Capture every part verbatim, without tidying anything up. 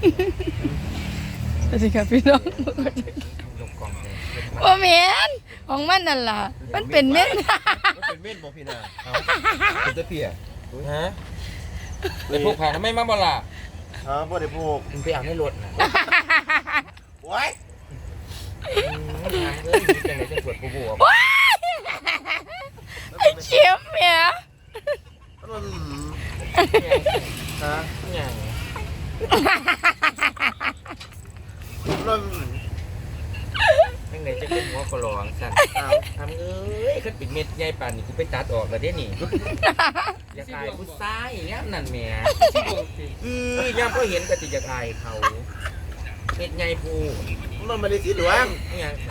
สวัสดีครับพี่น้องว่าเมนของมันนั่นล่ะมันเป็นเม็ดมันเป็นเม็ดบ่พี่นาเอาเป็นตะเพียฮะเลยพวกผ่านทำไมมาบ่ล่ะฮะบ่ได้พวกมึงไปเอาในรถนะโว้ยเอ้ยจังได๋จังปวดผู้บ่ไอ้เข็มเมียฮะหยังนั่นจังได๋จะเป็นหัวกะหลองซั่นอ้าวทำเอ้ยคันเป็นเม็ดใหญ่ปานนี้กูไปตัดออกแล้วเด้นี่อยากอายผู้ชายอย่างเงี้ยนั่นแหมเออย่ามเขาเห็นก็สิอยากอายเขาเม็ดใหญ่ผู้มันไม่ได้สีเหลืองหยัง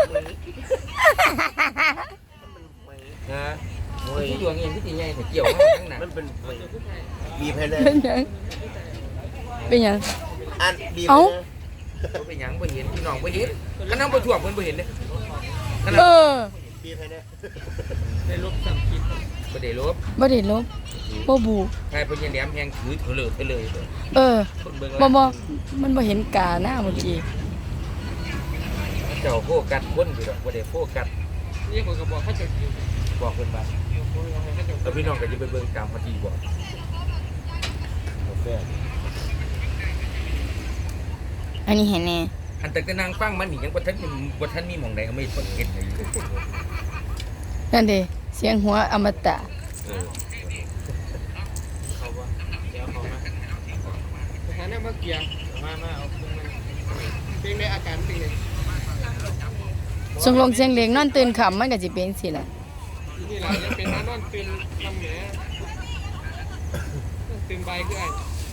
นะโอ้ยดวงเองที่สิใหญ่แต่เกี่ยวมาทั้งนั้นมันเป็นบีบให้เลยเป็นยังเป็นยังอันบีบเอ้าบ่เป็นหยังบ่เห็นพี่น้องบ่เห็นคันนำบ่ท่วมเพิ่นบ่เห็นเด้เออบีบให้เนี่ยได้ลบสั่งคิดบ่ได้ลบบ่ได้ลบบ่บูใครเพิ่นยังแหลมแฮงถือเถลิดไปเลยเออบ่บ่มันบ่เห็นกาหน้าเมื่อกี้เจ้าโฟกัสคนอยู่ดอกบ่ได้โฟกัสนี่คนก็บอกให้เจ้าบอกเพิ่นว่าแล้วพี่น้องก็จะไปเบิ่งตามพอดีบ่กาแฟอันนี้เห็นแน่อันแต่ก็นางฟังมันนี่ยังบ่ทันบ่ทันมีหม่องใดเอาไม่คนเห็นได้อยู่นั่นดิเสียงหัวอมตะเออเขาว่าเดี๋ยวเขามาสถานะบ่เกี่ยวมามาเอาเป็นในอาการเป็นไงสงลงเสียงเล็กนอนตื่นค่ำมันก็สิเป็นสิล่ะนี่ล่ะยังเป็นนอนตื่นลำแหน่ตื่นบ่ายคือไอ้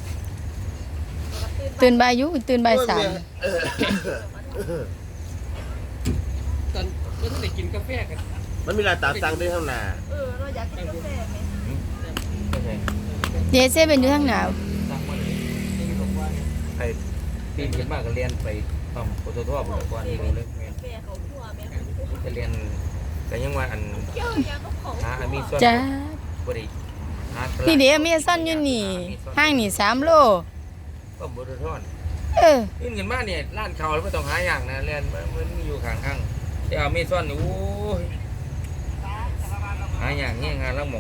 ตื่นบ่ายอยู่ตื่นบ่ายสามตอนก็ต้องได้กินกาแฟกันมันมีหลายตามสั่งด้วยข้างหน้าเออเราอยากกินกาแฟไหมเดซเป็นอยู่ทางหนาวไอ้ปีนขึ้นมาก็เรียนไปปั๊มปตทบ่ก่อนนี่เลยแม่นแม่เขาทั่วแม่จะเรียนก็ยังว่าอันหามีส่วนจ้าบ่ได้หานี่เดี๋ยวมีซ่อนอยู่นี่ห้างนี่สามโลก็บ่ได้ทอดเออขึ้นกันมาเนี่ยร้านเขาไม่ต้องหาอย่างนะเรียนมันอยู่ข้างข้างแต่เอามีซ่อนนี่โอ้ยหาอย่างเงี้ยงานละหม่อง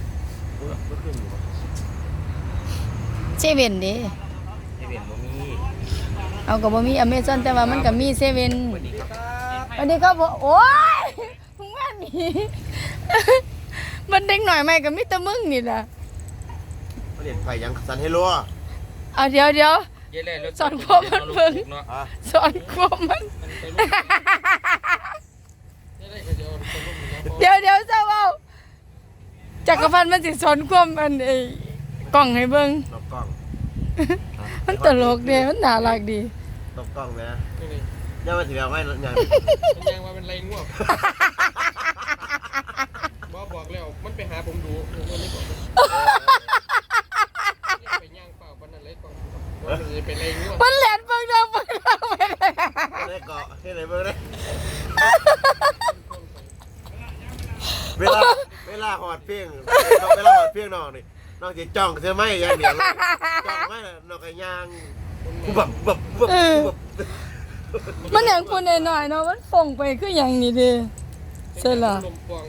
เซเว่นเด้ที่เป็นบ่มีเอาก็บ่มีอเมซอนแต่ว่ามันก็มีเซเว่นสวัสดีครับสวัสดีครับโอ้ยมึงว่านี่มันเด็กหน่อยไหมก็มีแต่มึงนี่ล่ะเรียนไฟยังสันให้รัวเอาเดี๋ยวเดี๋ยวสอนควบมันเพิ่งสอนควบมันเดี๋ยวเดี๋ยวเจ้าเอาจักรพันธ์มันสิสอนควบมันไอ้กล่องให้เบิ่งตบกล้องมันตลกดีมันน่ารักดีตบกล้องนะยังมาถึงแล้วไม่ยังยังว่าเป็นไรง่วงบอกบอกแล้วมันไปหาผมดูผมไม่บอกไปย่างเปล่าวันนั้นเลยกล่องว่ามันเป็นไรง่วงมันแหลนเบิ่งดาวเบิ่งดาวไปได้เกาะที่ไหนเบิ่งได้เวลาเวลาหอดเพียงเวลาหอดเพียงน้องนี่น้องจะจ้องเธอไม่ยังเดียวจ้องไม่น่ะน้องก็ย่างบับบับบับบับมันอย่างคนหน่อยๆเนาะมันฟงไปคืออย่างนี้ดิใช่หรอ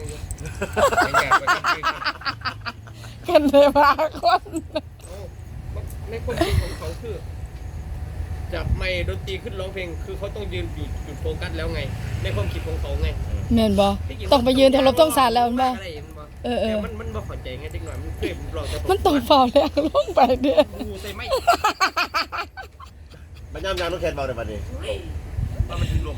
กันเลยมาคนในความคิดของเขาคือจับไมค์ดนตรีขึ้นร้องเพลงคือเขาต้องยืนอยู่จุดโฟกัสแล้วไงในความคิดของเขาไงแม่นบ่ต้องไปยืนแถวรถต้องสารแล้วมันบ่เออเออมันมันบ่เข้าใจไงเด็กหน่อยมันเคยรอจะมันต้องฝ่าแล้วลงไปเด้องูใส่ไม้มันย่ำยางต้องแคนเบาในวันนี้ว่ามันถึงลม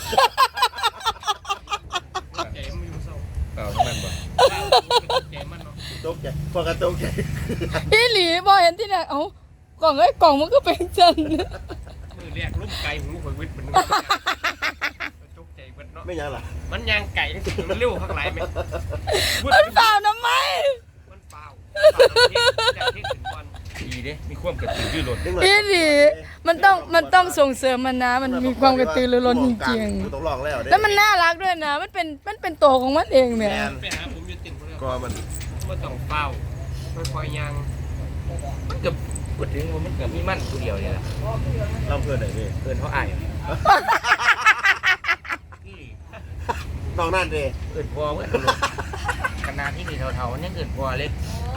ใจมันอยู่เศร้าเปล่านั่นบ่ใจมันเนาะตกใจพอกันตกใจอีหลีบ่เห็นที่ไหนเอ้ากล่องไอ้กล่องมันก็เป็นจันมือแรกลุ่มไก่หูข่อยวิทย์มันตกใจเบิดเนาะไม่ยังล่ะมันยางไก่มันเร็วข้างหลังไหมมันเปล่าน้ำไมมันเปล่าจากที่ถึงวันดีเด้มีความกระตือรือร้นอีหลีมันต้องมันต้องส่งเสริมมันนะมันมีความกระตือรือร้นจริงๆต้องลองแล้วแล้วมันน่ารักด้วยนะมันเป็นมันเป็นตัวของมันเองเนี่ยไปหาผมอยู่ติ่งก็มันมันต้องเปล่าค่อยๆยางมันจะพูดถึงว่ามันก็มีมันผู้เดียวเนี่ยแหละลำเพื่อนไหนพี่เอินเขาอายน้องนั่นเด้เอินพอเมื่อลงขนาดที่มีเท่าๆนี่เอินพอเล็ก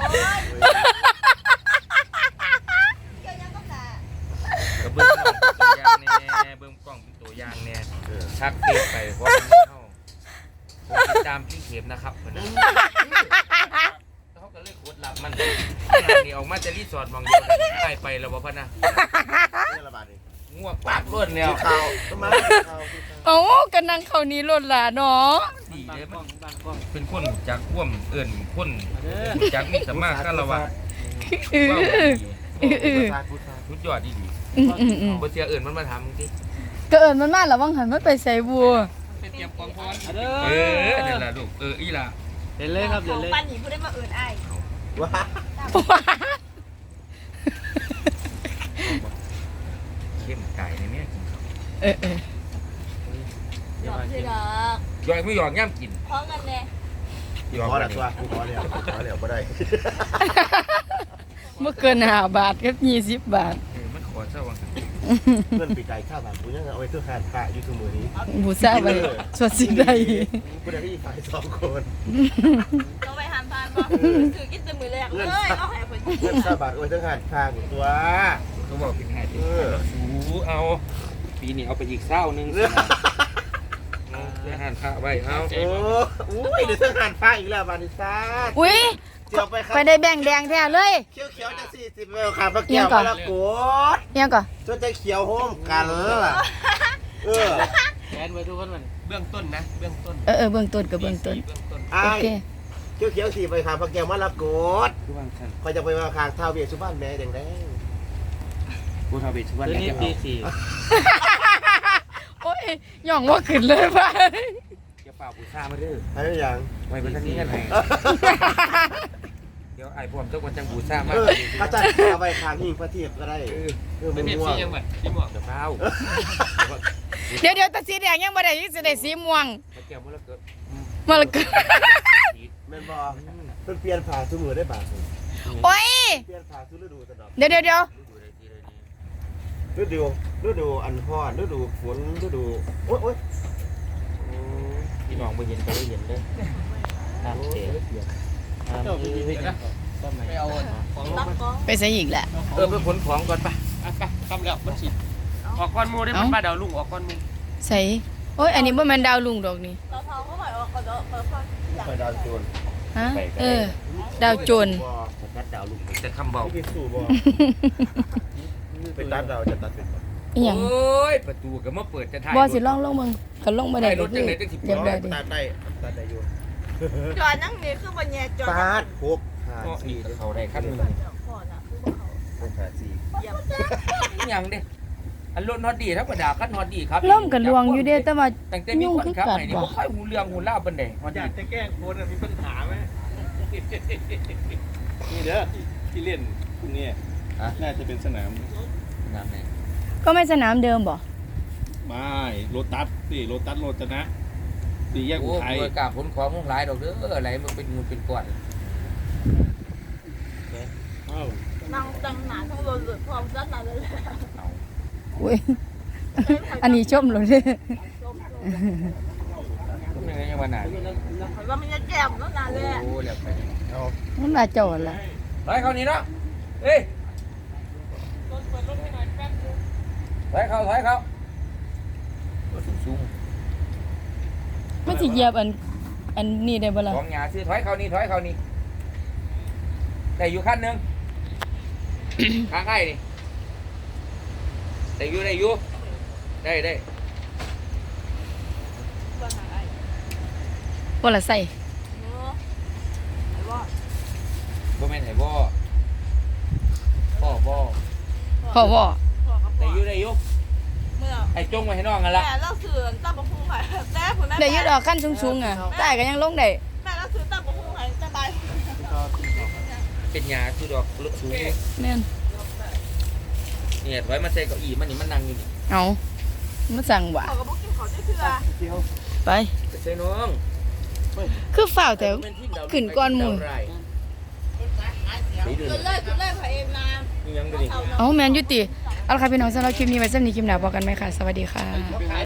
เกี่ยวยังก็แต่กับเบิ้งกล้องตัวอย่างแน่เบิ้งกล้องตัวอย่างแน่ชักเฟซไปเพราะมันเข้าผมติดตามพี่เข็มนะครับคนนั้นเขาก็เลยโคตรลับมันนี่ออกมาจะรีสอร์ทมองเดียวกันได้ไปแล้วบ่พ่อนะนี่ระบาดนี่ง่วงปากล้วนแล้วข่าวทำไมข่าวโอ้กันนั่งเขานี้หล่นล่ะเนาะดีเลยมันเป็นคนจากข่วมเอิญคนจากมีสมาคารวะเออว่าเออเออชาติพุทธาชุดยอดดีดีอืมอืมอืมบ่เสียเอิญมันมาทำที่ก็เอิญมันมาแล้ววังหันมันไปใส่บัวเออนั่นแหละลูกเอออีล่ะเล่นเลยครับขเล่อน งเลยปันหนีผู้ได้มาเอินไอ้ว้าเข้มไก่ในเนี้ยกินข้าวเออเออหยอกเลยดอกยอยไม่หยอกย่ำกินพร้อมกันเลยหยอกขออะไรละตัวกูขอแล้วขอแล้วไม่ได้เมื่อเกินห้าบาทกับยี่สิบบาทเออมันขอเศร้าวังเพื่อนปีกไก่ข้าวบางกูยังเอาไว้เพื่อแฟนพระยูทูบมือนี้บูซาไปสวดสิ่งใดกูได้ที่ฝ่ายสองคนต้องไปหันพานบ่ถือกินแต่มือแรกเลยเอาให้คนเพื่อนข้าวบาทเอาไว้เพื่อแฟนข้างตัวเขาบอกเป็นไงเออสูเอาปีนี้เอาไปอีกเศร้านึงสินะเอาเพื่อหันพระไว้เอาโอ้อุ้ยเดี๋ยวเพื่อแฟนพระอีกแล้วบานิซ่าอุ้ยเจียวไปครับไปได้แบ่งแดงแท้เลยเขียวเขียวจะสี่สิบเมลค่ะพระเกียวมาละโกดยังก่อนจนจะเขียวโฮมกันล่ะเออแอนไว้ทุกคนมันเบื้องต้นนะเบื้องต้นเออเออเบื้องต้นกับเบื้องต้นเบื้องต้นไอ้โอเคเขียวเขียวสี่ไปค่ะพระเกียวมาละโกดทุกวันท่านคอยจะไปมาคางท้าวเวสสุบ้านแม่แดงแดงกูทำเป็นชวนตัวแล้วนี้จะปีเอาสี่โอ้ยย่องว่าขึ้นเลยป่ะจะเปล่าปูซ่ามาดื้อให้หรือยังไว้เป็นท่านนี้กันไหนเดี๋ยวไอ้พวกเจ้าคนจังปูซ่ามาเออพระจันทร์เอาไปคางหิ้งพระเทียบก็ได้เออไม่มันเพียบม่วสี่งยังไงพี่หมอกเดี๋ยวเฝ้าเดี๋ยวเดี๋ยวแตาสีแดงยังบ่ได้ยังสิได้สีม่วงมาเกี่ยวมันแล้วเกิดมาละก็แม่นบอเพิ่นเปลี่ยนผ่าสมือได้บาทโอ้ยเปลี่ยนผ่าสุฤดูตลอดเดี๋ยวเดี๋ยวเดี๋ยวฤดูฤดูอันร้อนฤดูฝนฤดูโอ๊ยโอ๊ยพี่น้องไปเห็นไปเห็นเลยน้ำเจ๋เจ้าพี่พี่นะไม่เอาของลรังบมันกองไปใส่อีกแหละเออไปขนของก่อนปะอ่ะไปทำแล้วมันฉีดออกก้อนมูได้มันบ้าดาวลุงออกก้อนมูใส่โอ้ยอันนี้บ่แม่นดาวลุงดอกนี่เราทองเขาหมายว่าเขาจะเปิดฟังอยากไปดาวโจรฮะเออ ดาวโจรบ่จะตัดดาวลุงจะคำเบาที่สู้บ่ไปตัดดาวจะตัดเป็นบ่อีหยังโอ้ยประตูก็มาเปิดจะถ่ายบ่สิลองลงเบิ่งคันลงบ่ได้ก็คือเรียบร้อยดิตัดได้ตัดได้อยู่จอดนั่งนี่คือวันแย่จอดปาดหกห้าก็สี่นี่เขาได้ขั้นหนึ่งก่อนอ่ะคือเขาหกห้าสี่เยี่ยมยังเด้อันรถฮอตดีธรรมดาขั้นฮอตดีครับล่มกันลวงอยู่เด้แต่ว่าตั้งแต่มีคนขับไหนนี่บ่ค่อยหูเรื่องหูเล่าปานใดฮอตอยากดีจะแกล้งโคนมีปัญหาไหมนี่เด้อที่เล่นพรุ่งนี้น่าจะเป็นสนามน้ำไหนก็ไม่สนามเดิมบ่ไม่โรตัสสิโรตัสโรจนะสี่แยกโอ้อุทัยเมื่อกล้าขนของมุ่งหลายดอกเด้ออะไรมันเป็นงูเป็นก้อนอ้าวนั่งตั้งหนาทั้งรถหลุดพร้อมกันนั่นเลยเอาอุ้ยอันนี้ชมเลยเด้ทุกอย่างยังวันไหนว่ามันจะแจ่มแล้วนานเลยโอ้เรียบไปเอามันมาจอดละถอยเข้านี่เนาะเอ้ยถอยเข้าถอยเข้าสูงมันสิเหยียบอันอันนี้ได้บ่ล่ะของหยาซื้อถอยเข้านี่ถอยเข้านี่ได้อยู่ขั้นหนึ่ง ข้างใกล้นี่ได้อยู่ได้อยู่ได้ได้ว่าหาไอ้บ่ล่ะใส่เนาะไอ้ว่าบ่แม่นไอ้บ่พ่อบ่พ่อบ่พ่อกับพ่ได้ออยู่ได้อยู่เมื่อไอ้จงไว้ให้น้องกันละแม่เราซื้อตั้งบะพุงไห้แต่คุณแม่ได้อยู่ดอกขั้นสูงๆอ่ะใต้ก็ยังลงได้แม่เราซื้อตั้งบะพุงไห้สบายเป็นหยาคือดอกลึกสูงแม่นเนี่ยถอยมาใส่เก้าอี้มันนี่มันนั่งอยู่นี่เอามาสั่งว่าเขาก็บอกกินเขาได้เถื่อไปไปใส่น้องคือฝ้าวแต่เป็นทีมดาวขึ้นก่อนหมู่ดาวไรสีดูขึ้นเลยขึ้นเลยพระเอ็มมายังไม่ได้เอาแมนยุติเอาละค่ะพี่น้องสำหรับคลิปนี้ไว้สำหรับคลิปหน้าพบกันไหมค่ะ สวัสดีค่ะ